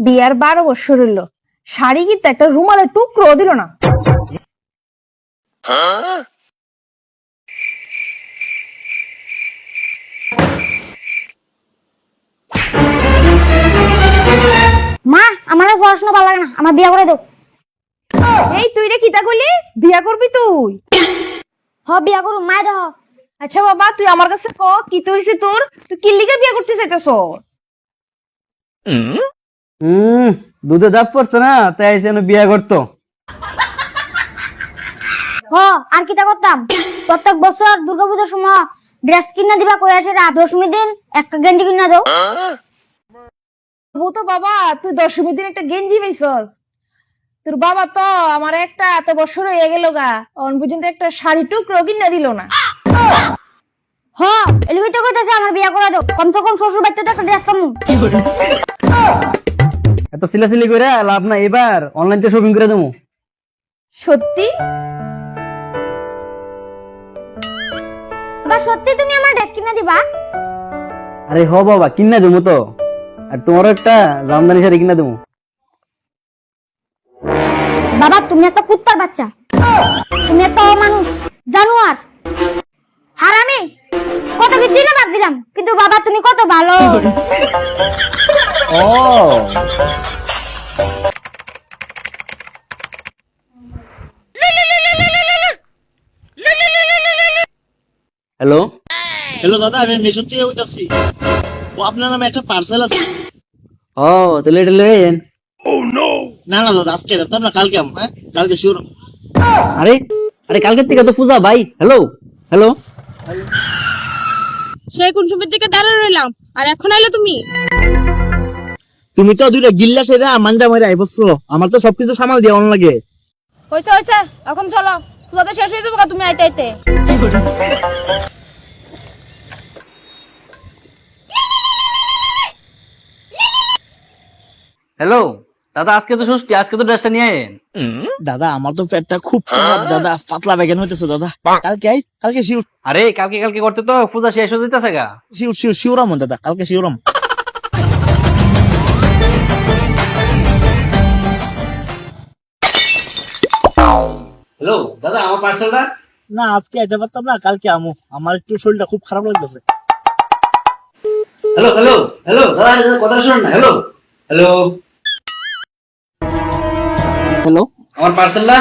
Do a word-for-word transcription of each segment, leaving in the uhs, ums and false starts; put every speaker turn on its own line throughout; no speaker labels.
বিয়ার বারো বছর হইলো, শাড়ি কিনতে একটা রুমালের টুকরো দিল না।
মা আমার আর পড়াশোনা ভালো লাগে না, আমার বিয়ে করে দাও।
এই তুই রে কিতা কইলি? বিয়া করবি তুই?
হ বিয়ে করু, মা দেহ।
আচ্ছা বাবা, তুই আমার কাছে ক কি তো হইছে তোর? তুই কি লিগে বিয়া করতে চাইতেছস?
হুম দুধে দাঁত পড়ছে না, তাই এসে বিয়া করতো।
হ আর কিটা করতাম, প্রত্যেক বছর দুর্গাপূজার সময় ড্রেস কিনা দিবা কই আসে, রাত দশমী দিন একটা গেঞ্জি কিনা দাও।
বউ তো বাবা, তুই দশমীর দিন একটা গেঞ্জি পাইছস? তোর বাবা তো আমার একটা এত বছর হয়ে গেল গা, অন পর্যন্ত একটা শাড়ি টুকরো কিনা দিল না।
হ এলিগই তো কইতাছে আমার বিয়ে করে দাও, কমসে কম শ্বশুর বাড়িতে তো একটা ড্রেস পামু।
এত সিলাসিলি করে লাভ না, এবার অনলাইন থেকে শপিং করে দেবো।
সত্যি?
বাবা সত্যি তুমি আমার ড্রেস কিনা দিবা?
আরে হ বাবা, কিনা দেবো তো। আর তোমারও একটা জামদানি শাড়ি কিনা দেবো।
বাবা তুমি একটা কুত্তার বাচ্চা, তুমি একটা অমানুষ, জানোয়ার, হারামি, কত কি চিনে বাদ দিলাম, কিন্তু বাবা তুমি কত ভালো।
ও হ্যালো
হ্যালো দাদা, আমি মেশো থেকে বলতেছি। ও আপনার নামে একটা পার্সেল আছে।
ও তাহলে এটা লইয়েন।
না না দাদা, আজকে দাদা না, কালকে আম, হ্যাঁ কালকে শিওর।
আরে আরে কালকের থেকে তো পূজা ভাই। হ্যালো হ্যালো
সেই কোন সময় থেকে দাঁড়া রইলাম, আর এখন এলো তুমি?
তুমি তো দুইটা গিল্লা সেরা মাঞ্জা মাইরা আইবছো, আমার তো সবকিছু সামাল দিয়ে অন লাগে।
হয়েছে হয়েছে, এখন চলো, পূজাতে শেষ হয়ে যাবো তুমি আইতে আইতে।
হ্যালো দাদা, আজকে তো ষষ্ঠী, আজকে তো ড্রেসটা নিয়ে আয়েন।
দাদা আমার তো পেটটা খুব খারাপ দাদা, পাতলা বেগেন হইতেছে দাদা। কালকে আই, কালকে শিওর
আরে কালকে কালকে করতে তো পূজা শেষ হয়ে যেতেছে গা।
শিওর শিওর শিওরাম দাদা, কালকে শিওরাম।
হ্যালো দাদা, আমার পার্সেলটা।
না আজকে আইতে পারতাম না, কালকে আমু, আমার একটু শরীরটা খুব খারাপ লাগতেছে।
হ্যালো হ্যালো হ্যালো দাদা, দাদা কথা শুনুন না। হ্যালো হ্যালো
হ্যালো,
আমার পার্সেলটা।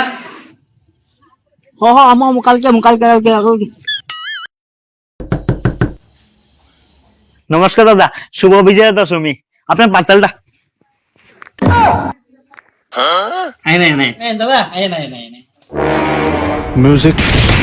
হ হ আমু আমু, কালকে আমু, কালকে কালকে কালকে।
নমস্কার দাদা, শুভ বিজয়া দশমী। আপনার পার্সেলটা। আই নাই নাই
দাদা আয় না আয় না।
Music.